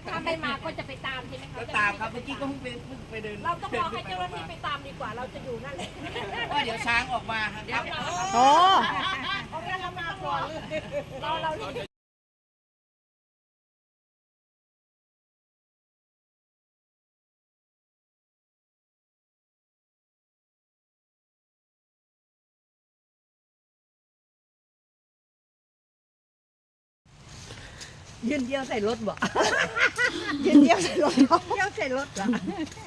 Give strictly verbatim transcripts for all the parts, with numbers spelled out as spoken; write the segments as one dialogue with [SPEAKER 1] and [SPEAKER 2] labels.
[SPEAKER 1] ถ้าไม่มาก็จะไปตามใช่ไหมคะ
[SPEAKER 2] ก็ตามครับเมื่อกี้ก็เพิ่งไปเพิ่งไปเดิน
[SPEAKER 1] เราต้องรอให้เจ้าหน้าที่ไปตามดีกว่าเราจะอยู่นั่นแหละ
[SPEAKER 2] ว่าเดี๋ยวช้างออกมาครับ
[SPEAKER 3] โอ้
[SPEAKER 1] เอางั้นเรามาก่อนเราเรา
[SPEAKER 3] ยืนเดียวใส่รถบ่ยืนเดียวใส่รถเดียวใส่รถเหรอ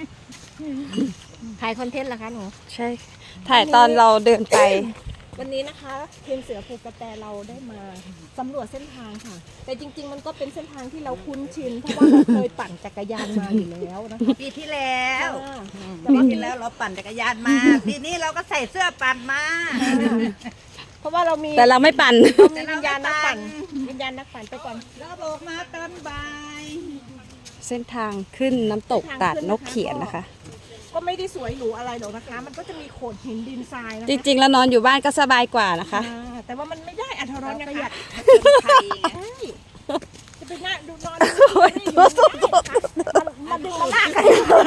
[SPEAKER 1] ถ่ายคอนเทนต์เหรอคะหนู
[SPEAKER 4] ใช่ ถ่ายตอนเราเดินไป
[SPEAKER 1] วันนี้นะคะทีมเสือภูกระแตเราได้มาสำรวจเส้นทางค่ะ แต่จริง ๆ มันก็เป็นเส้นทางที่เราคุ้นชินเพราะว่าเราเคยปั่นจักรยานมาอยู่แล้วนะคะ
[SPEAKER 3] ปีที่แล้ว
[SPEAKER 1] แต่
[SPEAKER 3] ปี
[SPEAKER 1] ว่า
[SPEAKER 3] ที่แล้วเราปั่นจักรยานมาปีนี้เราก็ใส่เสื้อปั่นมา
[SPEAKER 1] เพราะว่าเรามี
[SPEAKER 4] แต่เราไม่ปั่น
[SPEAKER 1] เรามีวิญญาณนักปั่นวิญญาณนักปั่นไปก่อน
[SPEAKER 3] แล้วก็บอกมาตอนบ่าย
[SPEAKER 4] เส้นทางขึ้นน้ำตกตาดนกเขียนนะคะ
[SPEAKER 1] ก็ไม่ได้สวยหรูอะไรหรอกนะคะ มันก็จะมีโขดหินดินทรายนะ
[SPEAKER 4] จ
[SPEAKER 1] คะ
[SPEAKER 4] ริงๆ แล้วนอนอยู่บ้านก็สบายกว่านะคะ
[SPEAKER 1] อ่าแต่ว่ามันไม่ได้อัธรสนะคะ
[SPEAKER 3] ไทยไง
[SPEAKER 1] ใช่จะไปนั่งดูนอนดูนี่อยู่ไม่ได้ค่ะมาดึงมาลากกัน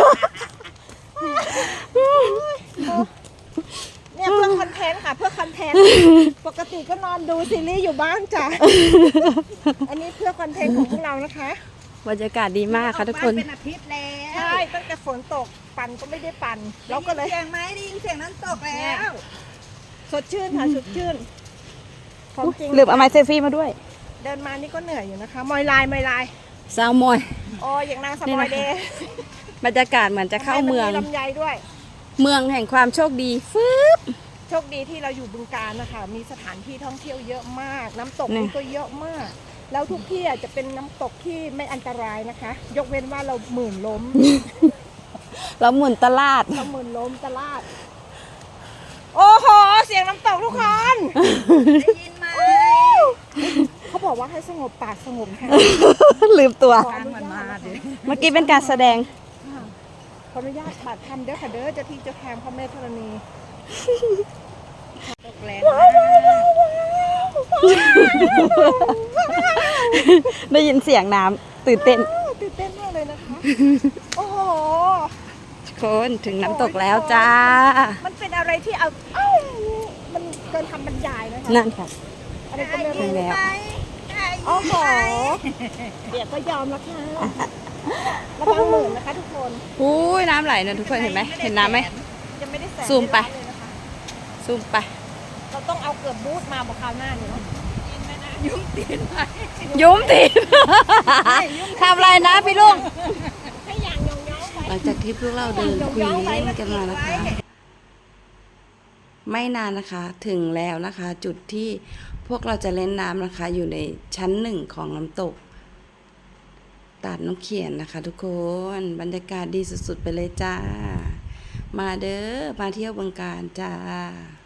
[SPEAKER 1] เนี่ยเพื่อคอนเทนต์ค่ะเพื่อคอนเทนต์ปกติก็นอนดูซีรีส์อยู่บ้านจ้ะอันนี้เพื่อคอนเทนต์ของพวกเรานะคะ
[SPEAKER 4] บรรยากาศดีมากค่ะทุกคน
[SPEAKER 3] เป็นอาทิตย์แล้ว
[SPEAKER 1] ใช่ตั้งแต่ฝนตกปั่นก็ไม่ได้ปั่นเราก็เลย
[SPEAKER 3] ได้ยินเสียงไหมได้ยินเสียงน้ำตกแล้ว
[SPEAKER 1] สดชื่นค่ะสดชื่นของจริง
[SPEAKER 4] ลืมเอาไม้เซลฟี่มาด้วย
[SPEAKER 1] เดินมานี่ก็เหนื่อยอยู่นะคะ มอยลายมอยลาย
[SPEAKER 4] ซาวมอย
[SPEAKER 1] โอ้ยอย่างนางสมอยเดย์
[SPEAKER 4] บรรยากาศเหมือนจะเข้าเมือง
[SPEAKER 1] ลำไยด้วย
[SPEAKER 4] เมืองแห่งความโชคดีฟึบ
[SPEAKER 1] โชคดีที่เราอยู่บึงกาฬนะคะ มีสถานที่ท่องเที่ยวเยอะมาก น้ำตก
[SPEAKER 4] นี่
[SPEAKER 1] นี่ก็เยอะมาก แล้วทุกที่อ่ะจะเป็นน้ำตกที่ไม่อันตรายนะคะ ยกเว้นว่าเราหมื่นล้ม
[SPEAKER 4] เราหมุนตลาด
[SPEAKER 1] เราหมื่นล้มตลาด โอ้โห เสียงน้ำตกทุกคน
[SPEAKER 3] ได้ยินไหม
[SPEAKER 1] เขาบอกว่าให้สงบปากสงบใจ
[SPEAKER 4] ลืมตัว
[SPEAKER 1] ขออ
[SPEAKER 3] ทาง
[SPEAKER 1] นุ
[SPEAKER 3] มัน
[SPEAKER 1] ญา
[SPEAKER 3] มา
[SPEAKER 1] ต
[SPEAKER 3] ดิ
[SPEAKER 4] เมื่อกี้เป็นการแสดง
[SPEAKER 1] ขออนุญาตบัตรทำเด้อค่ะเด้อเจะที่เจะแทงพระแม่ธรณี
[SPEAKER 3] ตกแรง
[SPEAKER 4] ได้ยินเสียงน้ำตื่นเต้น
[SPEAKER 1] ตื่นเต้นมากเลยนะคะ โอ้โห
[SPEAKER 4] ทุกคนถึงน้ำตกแล้วจ้า
[SPEAKER 1] มันเป็นอะไรที่เอาเอ้ามันเกินคำบรรยายนะคะ
[SPEAKER 4] นั่นค่ะ
[SPEAKER 1] อะไรก็ไม่
[SPEAKER 4] ถึ
[SPEAKER 1] รู้
[SPEAKER 4] งแล้ว
[SPEAKER 1] โอ้โหเดี๋ยวก็ยอมแล้วค่ะระวังหมื่นนะคะทุกคน
[SPEAKER 4] อุ้ยน้ำไหลนะทุกคนเห็นไหมเห็นน้ำไหม
[SPEAKER 1] ยังไม่ได้แสน
[SPEAKER 4] ซูมไป
[SPEAKER 1] เลยนะคะ
[SPEAKER 4] ซูมไป
[SPEAKER 1] เราต้องเอาเกือบบูทมาบอกคราวหน้าเนี่ยเนาะ
[SPEAKER 4] ยุ้มตีนทำอะไรนะพี่ลุง
[SPEAKER 1] ให้อย่างยองย้องไป
[SPEAKER 4] หลังจากที่พวกเราเดินคุยเล่นกันมานะคะ ไม่นานนะคะ ถึงแล้วนะคะ จุดที่พวกเราจะเล่นน้ำนะคะ อยู่ในชั้นหนึ่งของน้ำตกตาดนกเขียนนะคะ ทุกคนบรรยากาศดีสุดๆไปเลยจ้า มาเด้อมาเที่ยวบึงกาฬจ้า